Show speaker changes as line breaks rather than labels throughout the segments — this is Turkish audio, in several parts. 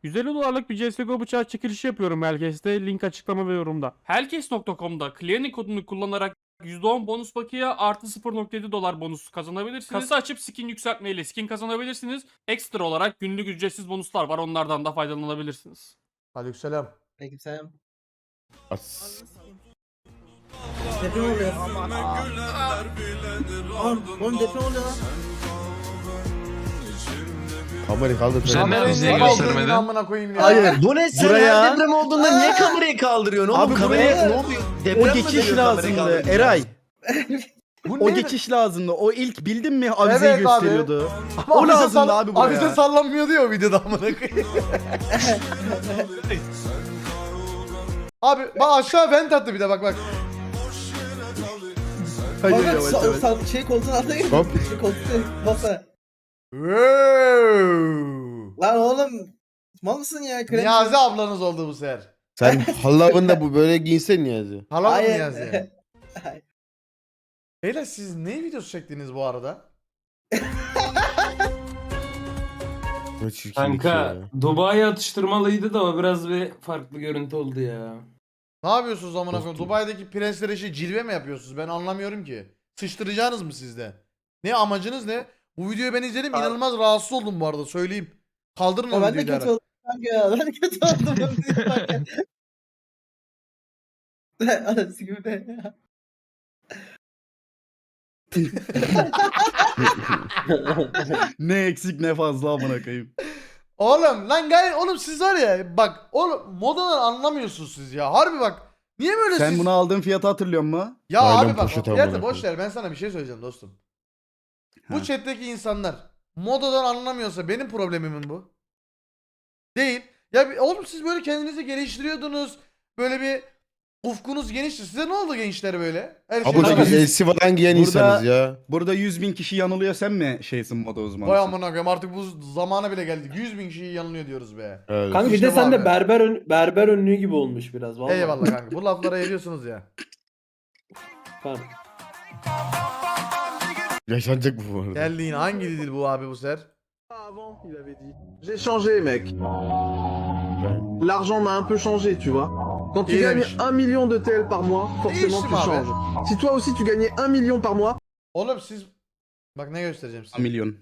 $150'lık bir CSGO bıçağı çekilişi yapıyorum Helkes'te. Link açıklama ve yorumda. Helkes.com'da Clearing kodunu kullanarak %10 bonus bakiye artı $0.7 bonus kazanabilirsiniz. Kasa açıp skin yükseltmeyle skin kazanabilirsiniz. Ekstra olarak günlük ücretsiz bonuslar var. Onlardan da faydalanabilirsiniz.
Aleykümselam.
Aleykümselam.
As.
Deprem oluyor. Oğlum deprem oluyor lan.
Kamerayı kaldır.
Sen
Kamerayı
bize
niye
göstermedin.
kaldırdın amına koyayım ya?
Hayır. Bu ne sen
Buraya-
her deprem olduğunda niye kamerayı kaldırıyorsun oğlum?
Abi
Kameraya
buraya-
ne oluyor? Deprem
O
mi
geçiş
dönüyor kamerayı
lazımdı
kaldırınca?
Eray.
Bu
O
ne?
geçiş lazımdı. O ilk bildin mi avizeyi
Evet abi.
gösteriyordu.
Ama
O
avize
lazımdı abi buraya.
Avize sallanmıyor diyor o videoda amına koyayım. Abi bak aşağı vent attı bir de bak.
Hayır,
Bak,
yavaş yavaş.
şey koltuğun altına gir.
Hop.
Koltuğun masa.
Wow.
Lan oğlum. Mal mısın ya? Krem-
Niyazi ablanız oldu bu sefer.
Sen halavında bu böyle giyinsen Niyazi.
Hala mı
Hayır.
Niyazi?
Hayır.
Beyler siz ne videosu çektiniz bu arada?
Ne çirkin
Kanka
ya.
Dubai atıştırmalıydı da o biraz bir farklı görüntü oldu ya.
Ne yapıyorsunuz amına koyayım?
Dostum.
Dubai'deki prenslere cilve mi yapıyorsunuz? Ben anlamıyorum ki. Sıçtıracaksınız mı sizde? Ne amacınız ne? Bu videoyu ben izledim inanılmaz rahatsız oldum bu arada söyleyeyim. Kaldırın o
Ama ben de
videoyu
kötü
derhal.
oldum kanka ya. Ben de kötü oldum. Anası gibi de.
Ne eksik ne fazla amına koyayım.
Oğlum lan gayet oğlum siz var ya bak oğlum modadan anlamıyorsunuz siz ya. Harbi bak. Niye böyle
Sen
siz?
bunu aldığın fiyatı hatırlıyor musun?
Ya
Naylon
abi bak
poşet
fiyatı
amına
boş
koyayım.
ver ben sana bir şey söyleyeceğim dostum. Bu
Ha.
chat'teki insanlar modadan anlamıyorsa benim problemimin bu. Değil. Ya oğlum siz böyle kendinizi geliştiriyordunuz. Böyle bir ufkunuz genişti. Size ne oldu gençler böyle? Her şey
Abucu
tamam.
biz elsivadan giyen
Burada-
insanız ya.
Burada 100.000 kişi yanılıyor, sen mi şeysin moda uzmanı?
Vay amına koyayım artık bu zamana bile geldik. 100.000 kişiyi yanılıyor diyoruz be.
Evet.
Kanka bir
İşte
de
bu
sen
abi.
de berber önlüğü gibi olmuş biraz vallahi.
Eyvallah kanka. Bu laflara eriyorsunuz ya.
Tamam.
Yaşanacak bu arada.
Geldi yine. Hangi dil bu abi bu sefer?
J'ai changé, mec. L'argent m'a un peu changé, tu vois. Quand tu
Il
gagnes
est-
1 million de TL par mois, forcément tu
Değiştim abi.
changes. Si toi aussi tu gagnais 1 million par mois,
Oğlum siz... Bak ne göstereceğim size.
Milyon.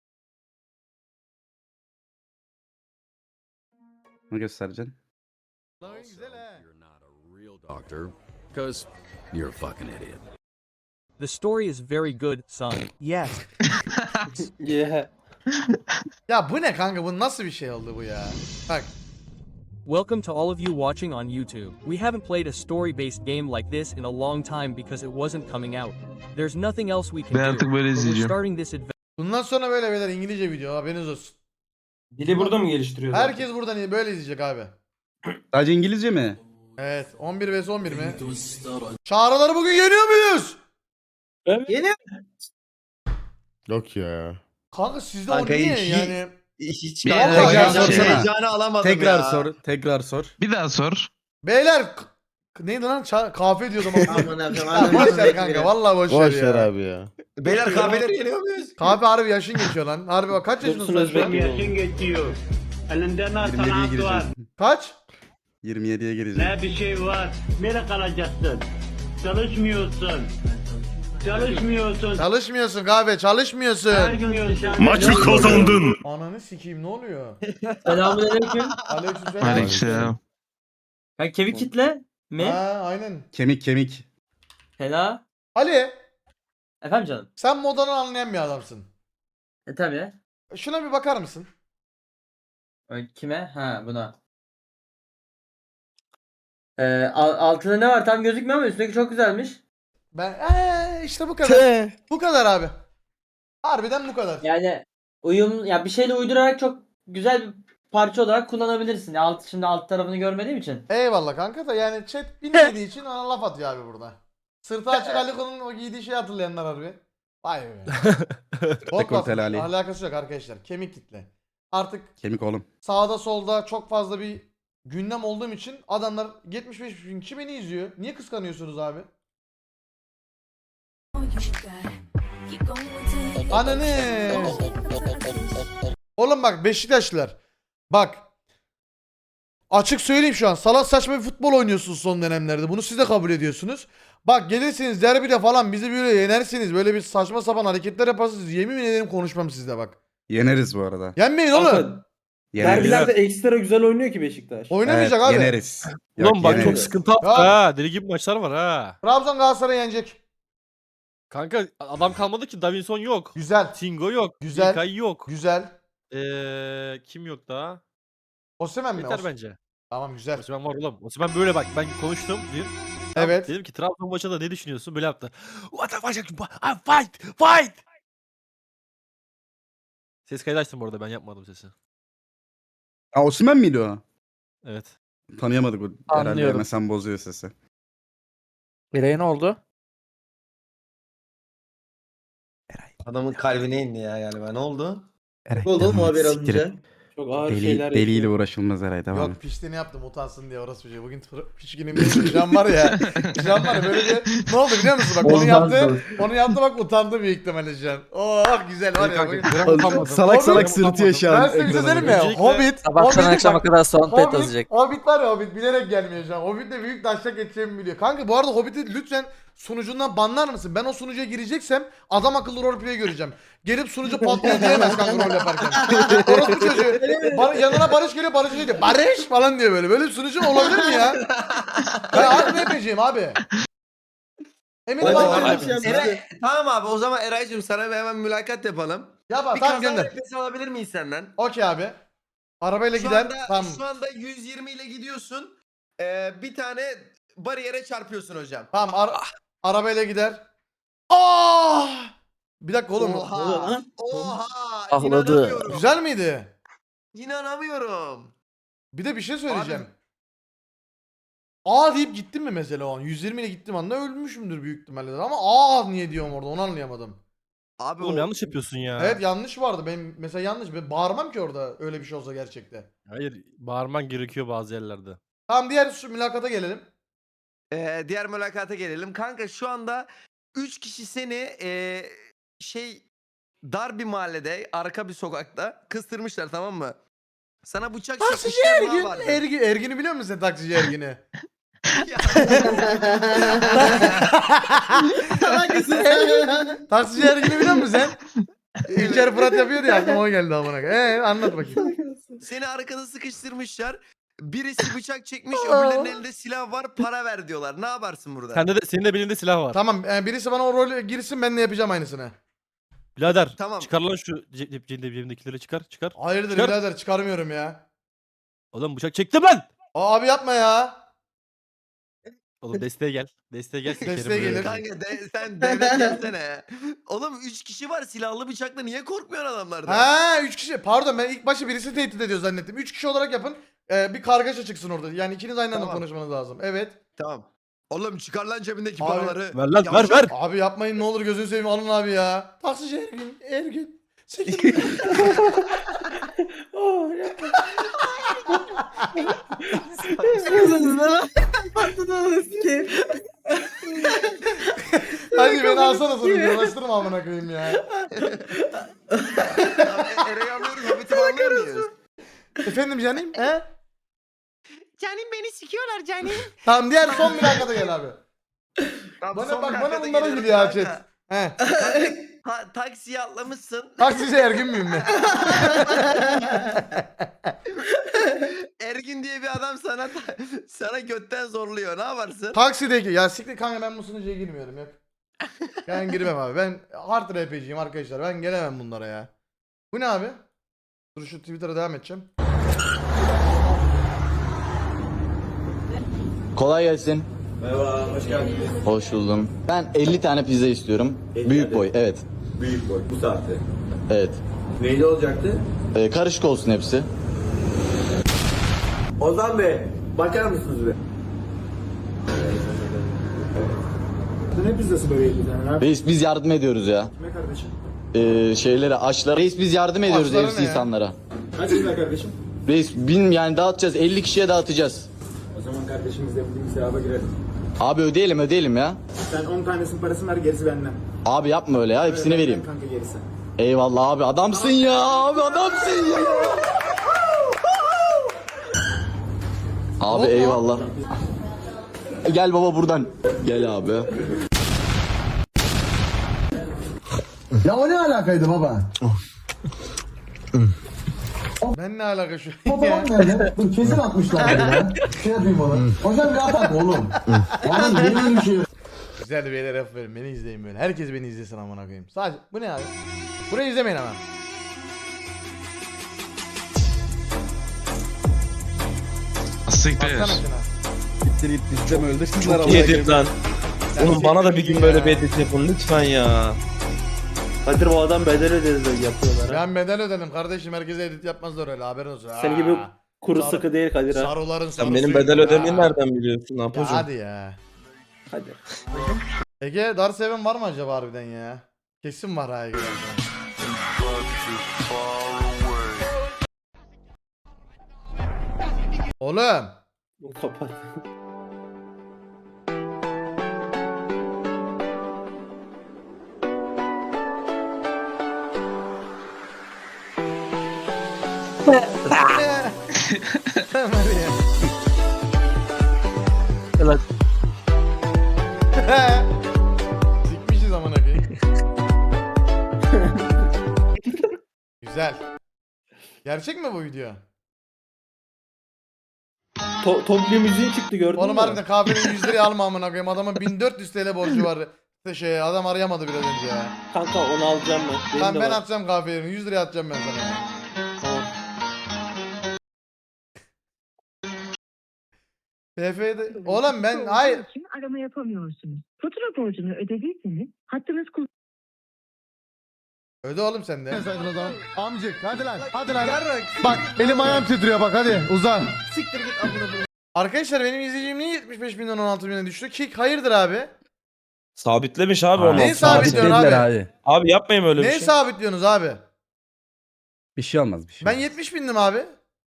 Ne göstereceksin?
Lan güzel he.
Doctor, because you're a fucking idiot.
The story is very good, son. Yes.
Yeah.
Ya bu ne kanka? Bu nasıl bir şey oldu bu ya? Bak.
Welcome to all of you watching on YouTube. We haven't played a story-based game like this in a long time because it wasn't coming out. There's nothing else we can
Ben
do.
artık böyle
but we're
izleyeceğim.
starting this adventure.
Bundan sonra böyle beyler İngilizce video haberiniz olsun.
Dili burada mı geliştiriyor? zaten?
Herkes buradan böyle izleyecek abi.
Sadece İngilizce mi?
Evet. 11 vs 11 mi? Çağrıları bugün yeniyor muyuz?
Yeni
Yok ya.
Kanka sizde
Kanka
o niye
hiç-
yani?
hiç
Bir
kanka
tekrar
ya,
sorsana.
heyecanı alamadım
Tekrar
ya.
sor, tekrar sor.
Bir daha sor.
Beyler neydi lan? Kahve diyordum ama.
Aman Allah'ım,
Ya
aman
boş ver
Allah'ım.
kanka vallahi boş,
Boş
ver
ver
ya.
abi ya.
Beyler kahveleri yeniyor muyuz?
Kahve harbi yaşın geçiyor lan. Harbi bak kaç yaşındasın
Dursun
sen şu an?
Özbek gibi oldu.
geçiyor. Elinde ne
27'ye
sanat var,
gireceğim.
Kaç?
27'ye gireceğim.
ne bir şey var. Nereye kalacaksın? Çalışmıyorsun. Çalışmıyorsun.
Çalışmıyorsun kahve
Her
çalışmıyorsun.
gün
Maçı kazandın.
Ananı sikeyim ne oluyor?
Selamünaleyküm.
Aleykümselam.
Aleykümselam. Ha kemik kitle mi?
Ha aynen.
Kemik kemik.
Hela.
Ali
Efendim canım.
sen modanı anlayan bir adamsın.
Tabii.
Şuna bir bakar mısın?
Kime? Ha buna. Altında ne var tam gözükmüyor ama üstteki çok güzelmiş.
Ben işte bu kadar. Bu kadar abi. Harbiden bu kadar.
Yani uyum ya bir şeyle uydurarak çok güzel bir parça olarak kullanabilirsin. Şimdi alt tarafını görmediğim için.
Eyvallah kanka da yani chat bilmediği için ona laf atıyor abi burada. Sırtı açık Aliko'nun o giydiği şeyi hatırlayanlar harbi. Vay be. Bok
Dekolteli
laf.
Ali.
Alakası yok arkadaşlar. Kemik kitle. Artık
Kemik oğlum.
sağda solda çok fazla bir gündem olduğum için adamlar 75 bin kişi beni izliyor. Niye kıskanıyorsunuz abi? Ananı. Oğlum bak Beşiktaşlılar. Bak Açık söyleyeyim şu an. Salak saçma bir futbol oynuyorsunuz son dönemlerde. Bunu siz de kabul ediyorsunuz. Bak gelirsiniz derbide falan bizi böyle yenersiniz. Böyle bir saçma sapan hareketler yaparsınız. Yemin ederim konuşmam sizle bak.
Yeneriz bu arada.
Yenmeyin oğlum.
Yeneriz.
ekstra güzel oynuyor ki Beşiktaş.
Oynamayacak
Evet,
abi.
Yeneriz.
Ulan bak
yeneriz.
çok sıkıntı hafta
Ya.
ha. Deli gibi maçlar var ha.
Trabzon Galatasaray yenecek.
Kanka adam kalmadı ki. Davinson yok.
Güzel.
Tingo yok.
Güzel.
İlkay yok.
Güzel.
Kim yok daha?
Osimhen mi?
Yeter bence.
Tamam güzel.
Osimhen var oğlum. Osimhen böyle bak ben konuştum dün.
Evet.
Dedim ki Trabzon maçında ne düşünüyorsun? Böyle yaptı. What the fuck? Fight! Ses kaydı açtım bu arada ben yapmadım sesi.
Aa, Osimhen miydi o?
Evet.
Tanıyamadık o. Herhalde
Anlıyorum.
MSN bozuyor sesi.
Bireye ne oldu?
Adamın kalbine indi ya galiba. Ne oldu?
Oldu mu haber
alınca?
Çok ağır
Deliyle uğraşılmaz Eray devam et.
Yok piştiğini yaptım utansın diye orası bir şey. Bugün piç günüm değil. Can var ya. Can var ya böyle bir ne oldu biliyor musun? Bak onu yaptı. Onu yaptı bak utandı büyük ihtimalle Can. Oh güzel var ya. bugün.
Salak salak sırıtıyor şu an.
Ben size bir şey söyleyeyim mi?
Öncelikle-
Hobbit.
Sabahtan
Hobbit
akşama
bak-
kadar sohbet
Hobbit,
yazacak.
Hobbit var ya Hobbit bilerek gelmiyor şu an. Hobbit de büyük daşak geçeceğimi biliyor. Kanka bu arada Hobbit'i lütfen sunucundan banlar mısın? Ben o sunucuya gireceksem adam akıllı roleplay göreceğim. Gelip sunucu patlıyor diyemez kanka rol yaparken. Orası çocuğu. Yanına Barış geliyor Barış diyor. Barış falan diyor böyle. Böyle bir sunucu olabilir mi ya? Ben harbi ne yapacağım abi? Eminim abi.
Tamam abi o zaman Eray'cığım sana bir hemen mülakat yapalım.
Yap
Bir
tamam
kaza
gönder.
nefesi alabilir miyiz senden?
Okey abi. Arabayla
Şu
gider.
anda,
Tamam.
şu anda 120 ile gidiyorsun. Bir tane bariyere çarpıyorsun hocam.
Tamam arabayla gider. Ah! Bir dakika oğlum.
Oha.
Ağladı.
İnanamıyorum.
Güzel miydi?
İnanamıyorum.
Bir de bir şey söyleyeceğim. Aa deyip gittim mi mesela o an? 120 ile gittim anda ölmüşümdür büyük ihtimalle. Ama aa niye diyorum orada onu anlayamadım.
Abi
Oğlum
o-
yanlış yapıyorsun ya.
Evet yanlış vardı. Benim mesela yanlış. Ben bağırmam ki orada öyle bir şey olsa gerçekte.
Hayır bağırman gerekiyor bazı yerlerde.
Tamam diğer şu mülakata gelelim.
Diğer mülakata gelelim. Kanka şu anda 3 kişi seni dar bir mahallede, arka bir sokakta kıstırmışlar, tamam mı? Sana bıçak
Taksici
çekmişler, ne
Ergin.
vardı?
Ergin'i biliyor musun sen taksici Ergin'i?
Ya,
Taksici Ergin'i biliyor musun sen? İlker Fırat yapıyordu ya aklıma o geldi amına koyayım. Anlat bakayım.
Seni arkada sıkıştırmışlar. Birisi bıçak çekmiş, öbürlerinin elinde silah var, para ver diyorlar. Ne yaparsın burada?
Senin de belinde silah var.
Tamam birisi bana o rolü girsin ben de yapacağım aynısını.
Birader
Tamam.
çıkar lan şu cebimdekileri çıkar.
Hayırdır
Çıkar.
birader çıkarmıyorum ya.
Oğlum bıçak çektim ben.
Abi yapma ya.
Oğlum desteğe gel. Desteğe gel. sikerim
Desteğe
böyle.
gelir.
Kanka sen devlet gelsene. Oğlum 3 kişi var, silahlı bıçakla niye korkmuyor adamlardan?
Ha 3 kişi. Pardon ben ilk başta birisi tehdit ediyor zannettim. 3 kişi olarak yapın. Bir kargaşa çıksın orada. Yani ikiniz aynı anda
Tamam.
konuşmanız lazım. Evet.
Tamam. Oğlum çıkar lan cebindeki
Abi-
paraları.
Ver lan
Yavşak.
ver.
Abi yapmayın ne olur gözünü seveyim alın abi ya. Taksici Ergin. Siktir. Hadi beni alsana sonra uğraştırma amına koyayım ya.
Eray'ı anlıyoruz, Hobbit'i anlıyor muyuz?
Efendim canım? He?
Canim beni sikiyorlar canim.
Tamam diğer son mülakata gel abi.
Tamam,
Bana
son
bak bana
mülakata
bunlara
geliyoruz
gülüyor ha
kanka.
chat. He.
Taksiye atlamışsın.
Taksici Ergin miyim ben?
Ergin diye bir adam sana götten zorluyor. Ne yaparsın?
Taksideki ya siktir kanka ben bu sunucuya girmiyorum yok. Ben girmem abi. Ben hard RPG'yim arkadaşlar. Ben gelemem bunlara ya. Bu ne abi? Dur şu Twitter'a devam edeceğim.
Kolay gelsin. Merhaba, hoş geldiniz. Hoş buldum. Ben 50 tane pizza istiyorum. Büyük boy, evet.
Büyük boy bu saatte.
Evet.
Neyli olacaktı?
Karışık olsun hepsi.
Ozan Bey, bakar mısınız be? Ne pizzası böyle 50 tane lan?
Reis biz yardım ediyoruz ya.
Ne kardeşim?
Şeylere, açlara. Reis biz yardım ediyoruz
Açlara
evsiz
ne ya?
insanlara.
Kaç lira kardeşim?
Reis yani dağıtacağız. 50 kişiye dağıtacağız.
O zaman kardeşimiz de bizim sevaba girelim.
Abi ödeyelim ya.
Sen 10 tanesinin parasını ver, gerisi benden.
Abi yapma öyle ya. Hepsini
Benden
vereyim.
Kanka gerisi.
Eyvallah abi. Adamsın ya. Abi adamsın ya. Abi eyvallah. Gel baba buradan. Gel abi.
Ya o ne alakaydı baba?
Ben ne alaka şu
Fotoğraf nerede? Dur kesin atmışlar ya. Şey yapayım onu. Hocam rahat at oğlum. Oğlum benim bir şey.
Güzel beyler aferin, beni izleyin böyle. Herkes beni izlesin amına koyayım. Sadece bu ne abi? Burayı izlemeyin ama. Baksana şuna.
İsteme öldürsünler
Çok yedim lan. Oğlum bana da bir gün böyle bir edit yapın lütfen ya.
Kadir bu adam bedel ödedi yapıyorlar.
Ben bedel ödedim kardeşim, herkese edit yapmazlar öyle, haberin olsun.
Senin gibi
Aa,
kuru
Sarı-
sıkı değil Kadir ha.
Sarıların
Sen
sarısıyım
benim bedel
ya.
ödemeni nereden biliyorsun
Ya
Apocuğum?
hadi ya.
Hadi.
Ege Dar Seven var mı acaba harbiden ya? Kesin var ha Ege. Oğlum.
Kapat.
Tamam hadi ya.
Evet.
Sikmişiz amına koyayım. Güzel. Gerçek mi bu video?
Toplu müziği çıktı gördün mü?
Oğlum harbiden kahvenin 100 liraya alma amına koyayım. Adamın 1400 TL borcu var. Adam arayamadı biraz önce ya.
Kanka onu alacağım ben. Benim
Lan
de
ben
var.
atacağım kahveyi. 100 liraya atacağım ben sana ya.
Tamam.
TF'de... Oğlum ben... Hayır.
Arama yapamıyorsunuz. Fatura borcunu ödediyseniz hattınız
Öde oğlum sen de.
Amcık hadi lan hadi lan. Bak elim ayağım titriyor bak hadi uzan.
Arkadaşlar benim izleyicim niye 75 binden 16 bine düştü? Ki hayırdır abi?
Sabitlemiş abi onu.
Neyi sabitliyorsun abi?
Abi yapmayın öyle bir
Neyi
şey.
sabitliyorsunuz abi?
Bir şey olmaz bir şey.
Ben 70 bindim abi.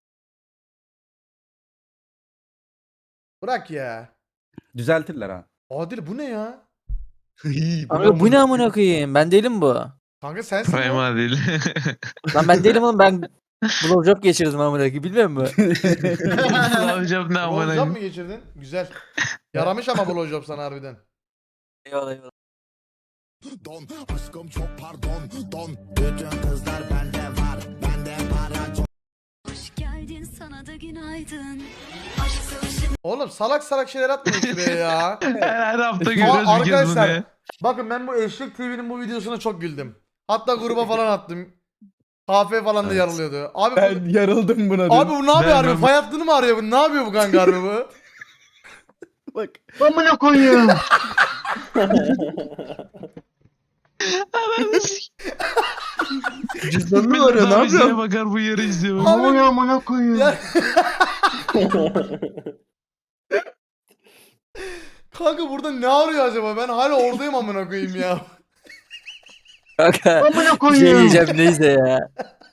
Bırak ya.
Düzeltirler ha.
Adil bu ne ya?
Abi bu ne amına koyayım? Ben değilim bu.
Kanka sensin ya.
Lan ben değilim oğlum, ben blowjob geçirdim amına koyayım, bilmiyor musun?
Blowjob mı geçirdin? Güzel. Yaramış ama blowjob sana harbiden.
Eyvallah eyvallah.
Don aşkım çok pardon don. Bütün kızlar bende var. Bende para çok.
Hoş geldin sana da günaydın.
Oğlum salak salak şeyler atmayın şuraya ya.
Her hafta
Arkadaşlar bakın ben bu Eşlik TV'nin bu videosuna çok güldüm. Hatta gruba falan attım. Kafe falan da yarılıyordu. Abi
Ben yarıldım buna.
abi bu ne yapıyor harbi? Fay hattını mı arıyor bu? Ne yapıyor bu kanka harbi bu?
Bak.
Amına koyayım.
Cüzdanını arıyor ne yapıyor?
bakar bu yarı izliyor.
Amına koyayım.
Ya- Kanka burada ne arıyor acaba? Ben hala oradayım amına koyayım ya.
Kanka
Amına
bir
koyayım.
şey diyeceğim, neyse ya.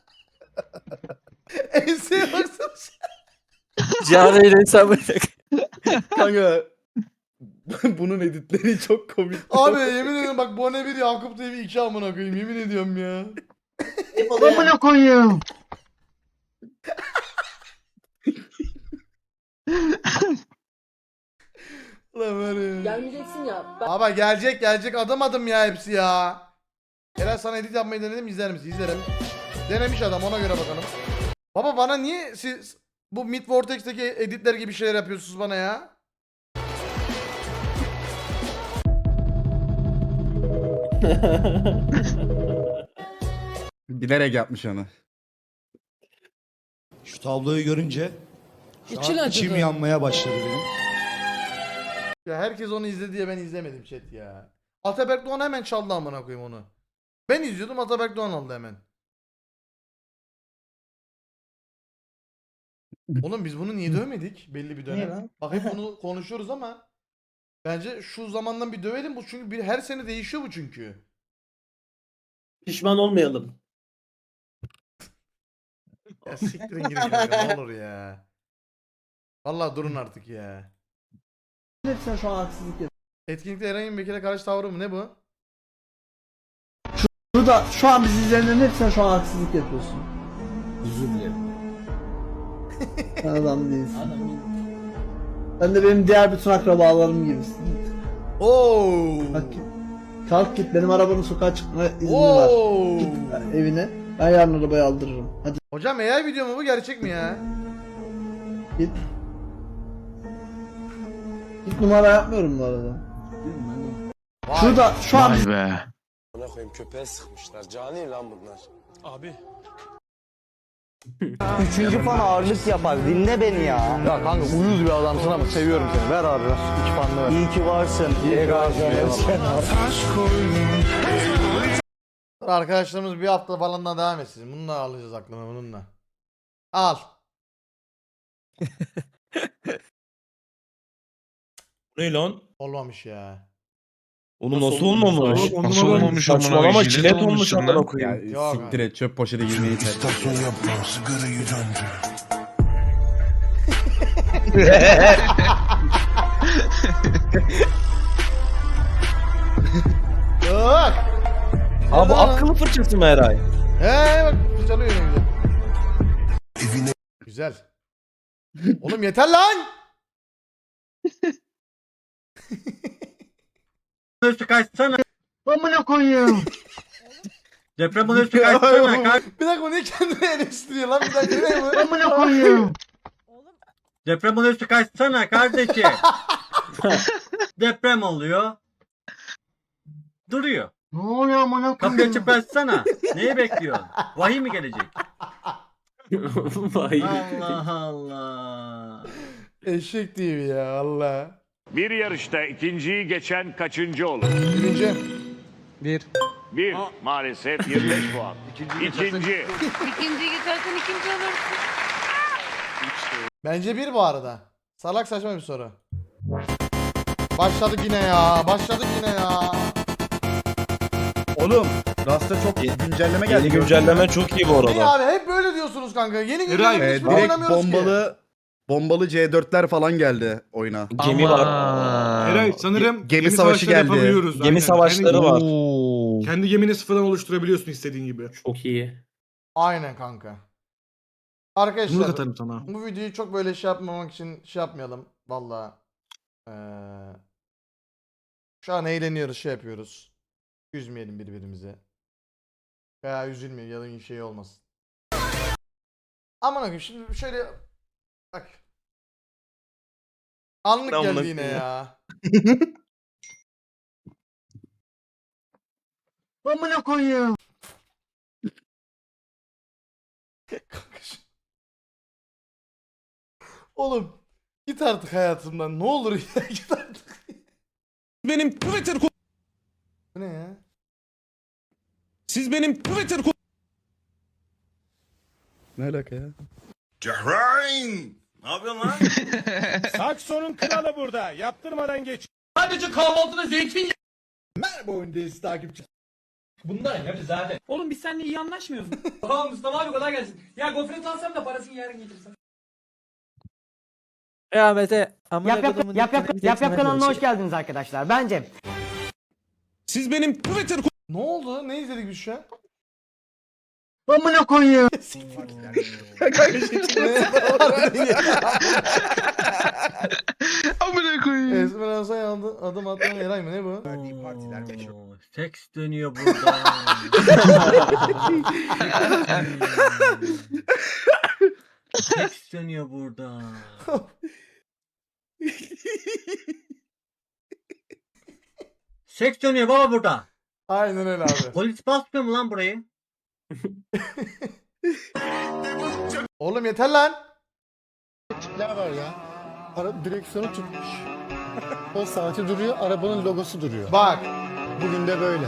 Enseye baksana.
Canı hesabı.
Kanka. Bunun editleri çok komik.
Abi yemin ediyorum bak Bone 1 Yakup TV 2 amına koyayım yemin ediyorum ya.
Amına koyayım.
Lan var ya.
Gelmeyeceksin ya.
Baba gelecek adım adım ya hepsi ya. Helal sana edit yapmayı denedim, izler misin? İzlerim. Denemiş adam, ona göre bakalım. Baba bana niye siz bu Mid Vortex'teki editler gibi şeyler yapıyorsunuz bana ya?
Bilerek yapmış onu.
Şu tabloyu görünce içim yanmaya başladı benim.
Ya herkes onu izledi diye ben izlemedim chat ya. Ataberk Doğan hemen çaldı amına koyayım onu. Ben izliyordum, Ataberk Doğan aldı hemen. Oğlum biz bunu niye dövmedik belli bir dönem? Bak hep bunu konuşuyoruz ama bence şu zamandan bir dövelim bu, çünkü her sene değişiyor bu çünkü.
Pişman olmayalım.
Ya siktirin gidin kanka ne olur ya. Vallahi durun artık ya.
Hepsine şu an haksızlık yapıyorsun.
Etkinlikte Eren Bekir'e karşı tavrı mı ne bu?
Burada şu an bizi izleyenlerin hepsine şu an haksızlık yapıyorsun.
Özür dilerim.
Sen adam değilsin.
Sen de benim diğer bütün akrabalarım gibisin.
Oo.
Bak git. Kalk git, benim arabanın sokağa çıkma izni
Oo.
var. Git evine. Ben yarın arabayı aldırırım. Hadi
Hocam AI video mu bu gerçek mi ya?
git. Git, numara yapmıyorum bu arada.
Vay.
Şurada şu an
Bana koyayım, köpeğe sıkmışlar. Cani lan bunlar.
Abi.
Üçüncü fan ağırlık yapar. Dinle beni ya. Ya kanka uyuz bir adamsın ama seviyorum seni. Ver abi ver. İki fanla ver. İyi ki varsın. İyi ki varsın.
Dur, arkadaşlarımız bir hafta falan daha devam etsin. Bununla alacağız aklına, bununla. Al.
Ne lan?
Olmamış ya.
Oğlum nasıl olmamış?
Nasıl olmamış?
Saçmalama jilet olmuş amına koyayım.
Yok.
Siktir et, çöp poşete girmeyi tercih et.
yapma, sigarayı döndür.
Yok.
Abi akıllı fırçası mı Eray?
Bak çalıyor yine güzel.
Evine
Güzel. Oğlum yeter lan.
Üstü kaçsana.
Amına koyayım.
Deprem üstü kaçsana.
Bir dakika, bu niye kendini eleştiriyor lan? Bir dakika, ne bu?
Amına koyayım.
Deprem üstü kaçsana kardeşim. Deprem oluyor. Duruyor.
Ne oluyor amına
Kapıyı
koyayım?
açıp açsana. Neyi bekliyorsun? Vahiy mi gelecek? Allah Allah.
Eşek TV ya Allah.
Bir yarışta ikinciyi geçen kaçıncı olur?
Birinci.
Bir. Maalesef 25 puan. İkinci.
İkinciyi geçersen ikinci olursun.
Bence bir bu arada. Salak saçma bir soru. Başladık yine ya. Başladık yine ya.
Oğlum, Rasta çok güncelleme geldi.
Yeni güncelleme çok iyi bu
Niye abi? Hep böyle diyorsunuz kanka. Yeni güncelleme hiç
Direkt
oynamıyoruz ki.
bombalı C4'ler falan geldi oyuna.
Gemi var.
Eray sanırım
Gemi savaşı geldi.
yapabiliyoruz.
Gemi
Aynen.
savaşları var.
Kendi gemini sıfırdan oluşturabiliyorsun istediğin gibi.
Çok iyi.
Aynen kanka.
Bunu
Arkadaşlar
katarım sana.
bu videoyu çok böyle şey yapmamak için şey yapmayalım. Valla. Şu an eğleniyoruz, şey yapıyoruz. Üzmeyelim birbirimizi. Veya üzülmeyelim ya da şey olmasın. Aman akım şimdi şöyle bak. Anlık
Amına
geldi yine
koyayım.
ya.
Amına koyayım.
Kanka oğlum git artık hayatımdan, ne olur ya, git artık.
Benim Twitter
Bu ne ya?
Siz benim Twitter
Ne alaka ya?
Cahreyn! Ne yapıyorsun lan?
Sakson'un kralı burada. Yaptırmadan geç.
Sadece kahvaltıda zeytin.
Merhaba oyundayız takipçi.
Bunlar hep zaten. Oğlum biz seninle iyi anlaşmıyoruz. Tamam Mustafa abi kolay gelsin. Ya gofret alsam da parasını yarın getirsen.
Ya Mete.
Yap kanalına hoş geldiniz arkadaşlar. Bence
Siz benim Twitter
Ne oldu? Ne izledik biz şu an?
Amına koyayım.
Amına koyayım.
Esmer adım atman Eray mı, ne bu?
Seks dönüyor burada. Seks dönüyor burada. Seks dönüyor baba burada.
Aynen öyle abi.
Polis basmıyor mu lan burayı?
Oğlum yeter lan.
Ne var ya? Araba direksiyonu tutmuş. O saati duruyor, arabanın logosu duruyor.
Bak.
Bugün de böyle.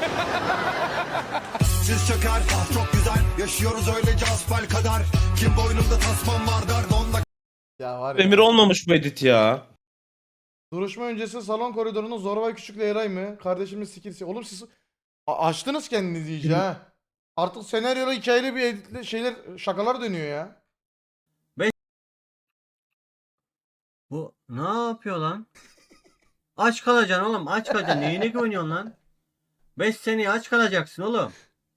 Siz çöker, ah çok güzel. Yaşıyoruz öylece asfal kadar. Kim boynumda tasmam var der, donla.
Ya var ya.
Emir olmamış bu edit ya.
Duruşma öncesi salon koridorunun Zorbay Küçük'le Eray mı? Kardeşimiz sikilsi. Oğlum siz açtınız kendinizi iyice ha. Artık senaryolu hikayeli bir editle şeyler, şakalar dönüyor ya.
Bu ne yapıyor lan? Aç kalacaksın oğlum, aç kalacaksın. Neyine güveniyorsun lan? 5 seneye aç kalacaksın oğlum.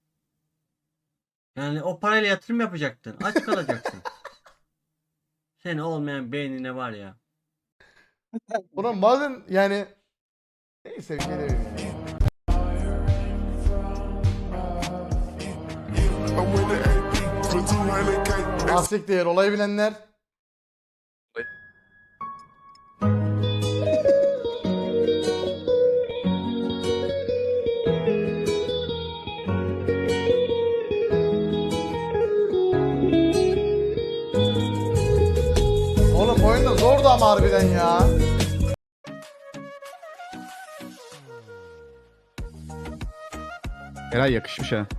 Yani o parayla yatırım yapacaktın. Aç kalacaksın. Seni olmayan beynine var ya.
Ulan bazen yani neyse bir şey demeyeyim ya. Asik değer olayı bilenler. Oğlum oyun da zordu ama harbiden ya.
Eray yakışmış ha.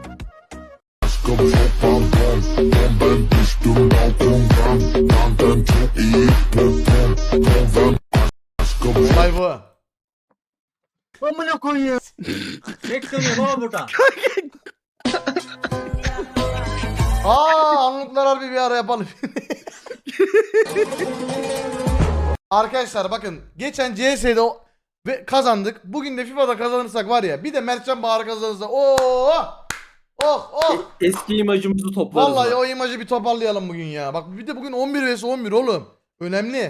Olay bu.
Amına koyayım. Bekliyorum baba burada.
Anlıklar harbi bir ara yapalım. Arkadaşlar bakın geçen CS'de ve kazandık. Bugün de FIFA'da kazanırsak var ya bir de Mertcan Bahar kazanırsa oh
Eski imajımızı toplarız.
vallahi o imajı bir toparlayalım bugün ya. Bak bir de bugün 11 vs 11 oğlum. Önemli.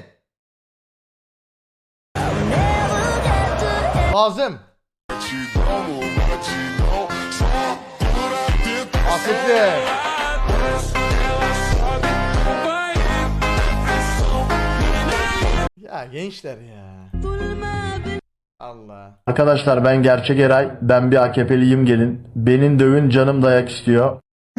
Lazım. Asiktir. Ya gençler ya. Allah.
Arkadaşlar ben gerçek Eray. Ben bir AKP'liyim gelin. Benim dövün canım dayak istiyor.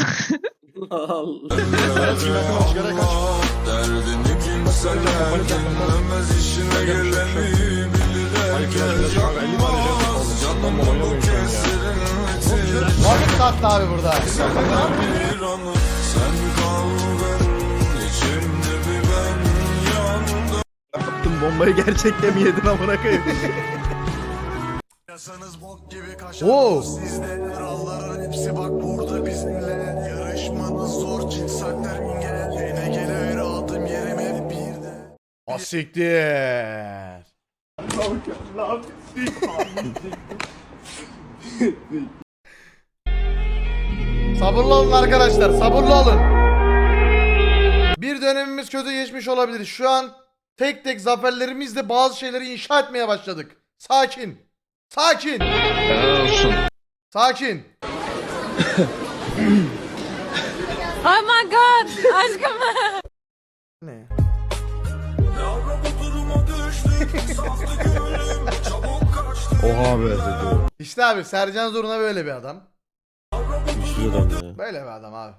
Vakit kalktı abi burada.
Attım bombayı gerçekte mi yedin amına koyayım?
Oo.
Hepsi bak burada bizimle. Yarışmanız zor, cinsaklar engel. Yine gelir aldım yerim hep birde.
Asiktir. Sabırlı olun arkadaşlar, sabırlı olun. Bir dönemimiz kötü geçmiş olabilir. Şu an tek tek zaferlerimizle bazı şeyleri inşa etmeye başladık. Sakin. Sakin. Sakin.
Oh my god aşkım.
Ne?
Oha be.
İşte abi Sercan Zoruna böyle bir adam.
Güçlü adam ya.
Böyle bir adam abi.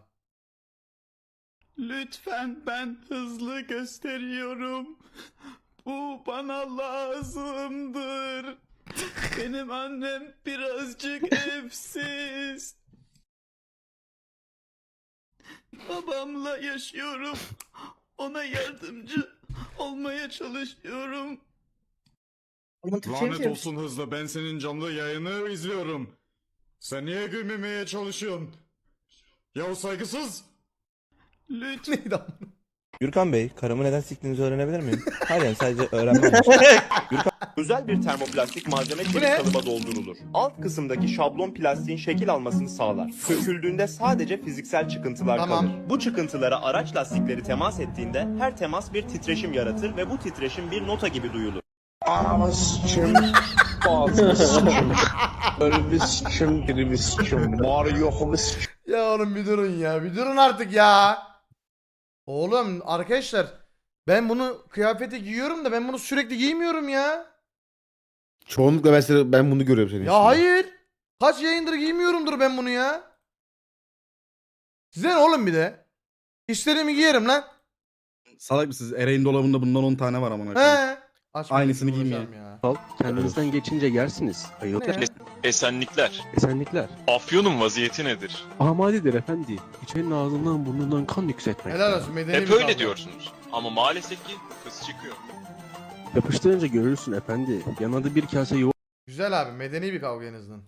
Lütfen ben hızlı gösteriyorum. Bu bana lazımdır. Benim annem birazcık evsiz. Babamla yaşıyorum. Ona yardımcı olmaya çalışıyorum.
Lanet olsun hızlı, ben senin canlı yayını izliyorum. Sen niye gülmemeye çalışıyorsun? Ya o saygısız.
Lütfen.
Neydi ama?
Gürkan Bey, karımı neden siktiğinizi öğrenebilir miyim? Hayır yani sadece öğrenmem. Gürkan, özel bir termoplastik malzeme çelik kalıba doldurulur. Alt kısımdaki şablon plastiğin şekil almasını sağlar. Söküldüğünde sadece fiziksel çıkıntılar kalır. Bu çıkıntılara araç lastikleri temas ettiğinde her temas bir titreşim yaratır ve bu titreşim bir nota gibi duyulur.
Anamı sikim. Ağzını sikim. Önümü sikim. Birimi sikim. Var yokumu sikim.
Ya oğlum bir durun ya. Bir durun artık ya. Oğlum arkadaşlar ben bunu kıyafete giyiyorum da ben bunu sürekli giymiyorum ya.
Çoğunlukla mesela ben bunu görüyorum senin.
Ya hayır. Kaç yayındır giymiyorumdur ben bunu ya. Size ne oğlum bir de? İstediğimi giyerim lan.
Salak mısınız? Eray'ın dolabında bundan 10 tane var amına koyayım.
He. Açmayın,
Aynısını
uğraşamam
giyeyim
ya.
Kendinizden geçince yersiniz.
Ne ya?
Esenlikler.
Esenlikler.
Afyonun vaziyeti nedir?
Amalidir efendi. İçerinin ağzından burnundan kan yükseltmek.
Helal olsun medeni bir kavga.
diyorsunuz. Ama maalesef ki kız çıkıyor.
Yapıştırınca görürsün efendi. Yanında bir kase yoğurt.
Güzel abi medeni bir kavga en azından.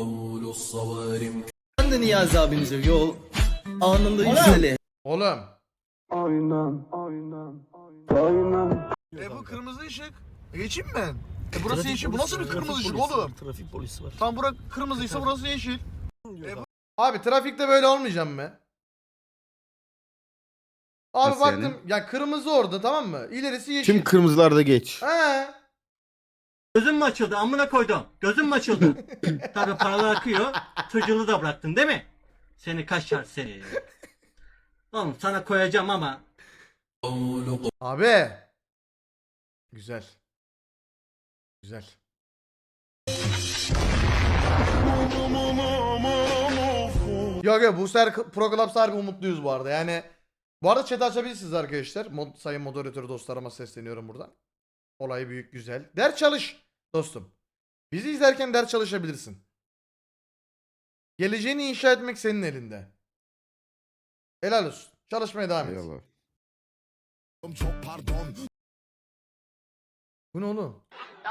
Ben de Niyazi abinize yol anında yükseli.
Oğlum.
Aynen.
Bu kırmızı ışık. Geçeyim mi ben? Burası yeşil. Bu nasıl bir kırmızı ışık oğlum?
Trafik polisi var.
Tam bura kırmızıysa burası yeşil. Abi trafikte böyle olmayacağım mı? Abi
Nasıl
baktım
yani?
ya kırmızı orada, tamam mı? İlerisi yeşil.
Tüm kırmızılarda geç.
He.
Gözüm mü açıldı amına koydum? Gözüm mü açıldı? Tabii paralar akıyor. Çocuğunu da bıraktın değil mi? Seni kaçar seni. Oğlum sana koyacağım ama.
Abi. Güzel. Güzel. Yok yok, bu sefer Pro Clubs harbi umutluyuz bu arada. Yani bu arada chat açabilirsiniz arkadaşlar. Sayın moderatör dostlarıma sesleniyorum buradan. Olay büyük, güzel. Ders çalış dostum. Bizi izlerken ders çalışabilirsin. Geleceğini inşa etmek senin elinde. Helal olsun. Çalışmaya devam et.
Eyvallah.
Çok pardon.
Bu ne oğlum?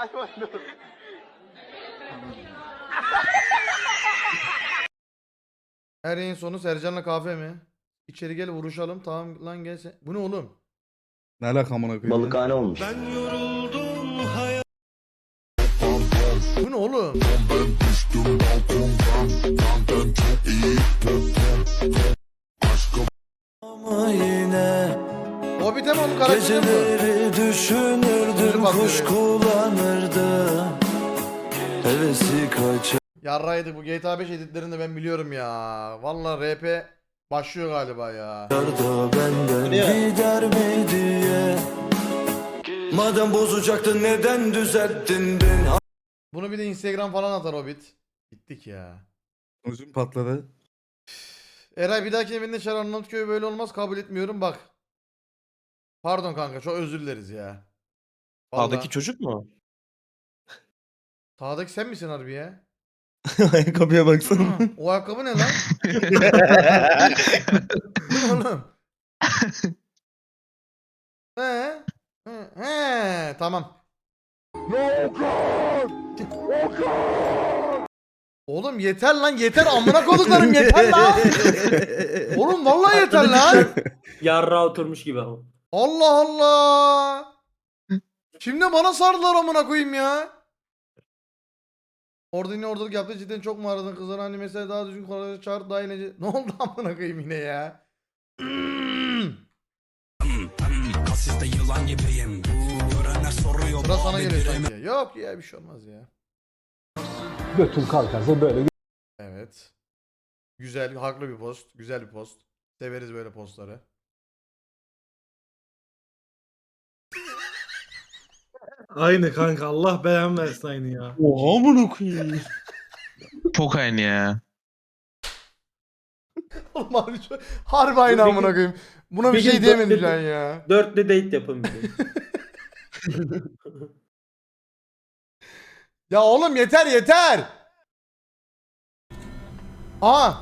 Her yayın sonu Sercan'la kahve mi? İçeri gel vuruşalım. Tamam lan gel sen. Bu ne oğlum?
Ne alaka amına koyayım?
Balıkhane olmuş.
Ben yoruldum hayat.
Bu ne oğlum?
Ama yine
Hobbit'e mi onun karakteri mi?
geceleri düşünürdüm, kuş kullanırdı. Hevesi kaçar.
Yarraydı, bu GTA 5 editlerini ben biliyorum ya. Vallahi RP başlıyor galiba ya.
Da benden gider mi diye. Madem bozacaktın neden düzelttin beni?
Bunu bir de Instagram falan atar Hobbit. Gittik ya.
Uzun patladı.
Eray bir dahaki evinde çağır, Arnavutköy böyle olmaz, kabul etmiyorum bak. Pardon kanka, çok özür dileriz ya. Vallahi.
Sağdaki çocuk mu?
Sağdaki sen misin harbi ya?
Ayakkabıya baksana.
O ayakkabı ne lan? Oğlum. He, tamam. Oğlum yeter lan, yeter amına koduklarım, yeter lan. Oğlum vallahi yeter lan.
Yarra oturmuş gibi ama.
Allah Allah. Şimdi bana sardılar amına koyayım ya. Orada yine oradalık yaptı, cidden çok mu aradın kızlar, hani mesela daha düzgün kolayca çağır daha inece. Ne oldu amına koyayım yine ya.
Sizde yılan gibiyim. Görenler soruyor.
Sıra sana geliyor sanki. Yok ya, bir şey olmaz ya.
Götün kalkarsa böyle.
Evet. Güzel, haklı bir post. Güzel bir post. Severiz böyle postları.
Aynı kanka, Allah belanı versin aynı ya.
Oha amına koyayım.
Çok aynı ya.
Oğlum harbi aynı amına koyayım. Buna bir
Bir
şey
gün
diyemedim
dörtlü-
şu an ya.
Dörtlü date yapın bir de.
Ya oğlum yeter yeter. Aa.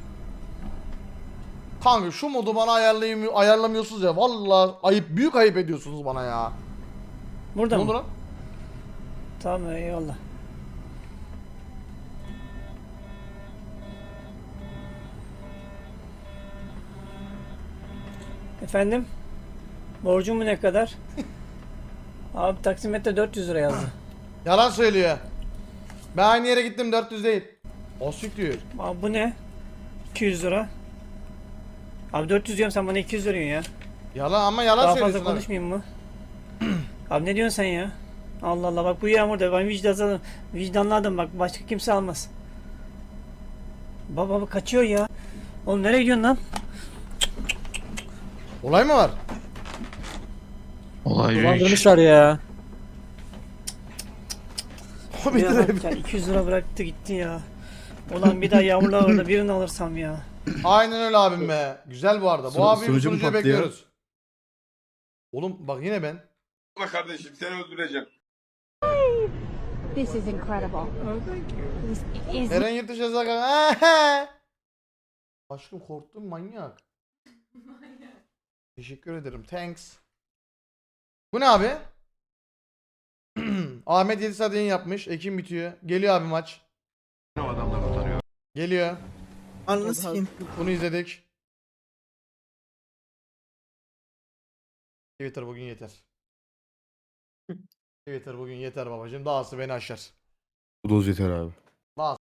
Kanka şu modu bana ayarlamıyorsunuz ya. Vallahi ayıp, büyük ayıp ediyorsunuz bana ya.
Burada
Ne
mı?
oldu lan?
Tamam eyvallah. Efendim? Borcumu ne kadar? Abi taksimetre 400 lira yazdı.
Yalan söylüyor. Ben aynı yere gittim, 400 değil. O siktir.
Abi bu ne? 200 lira. Abi 400 diyorum, sen bana 200 veriyorsun ya.
Yalan ama yalan
Daha
söylüyorsun.
fazla
abi.
konuşmayayım mı? Abi ne diyorsun sen ya? Allah Allah, bak bu yağmurda ben vicdanlı adam, bak başka kimse almaz. Baba kaçıyor ya. Oğlum nereye gidiyorsun lan?
Olay mı var?
Olay
Dolandırmışlar ya.
O bir
Ya,
de-
bak ya 200 lira bıraktı gitti ya. Ulan bir daha yağmurlar orada birini alırsam ya.
Aynen öyle abim be. Güzel bu arada. Bu abi
sunucu mu
sunucuya
patlıyor?
bekliyoruz. Oğlum bak yine ben.
Kardeşim seni öldüreceğim.
This is incredible. Is
Eren yurt dışı yazar. Aşkım korktum, manyak. Teşekkür ederim. Thanks. Bu ne abi? Ahmet 7 saat yayın yapmış. Ekim bitiyor. Geliyor abi maç. Geliyor.
Anlasın.
Bunu izledik. Twitter bugün yeter. Twitter bugün yeter babacığım. Dahası beni aşar.
Bu doz yeter abi.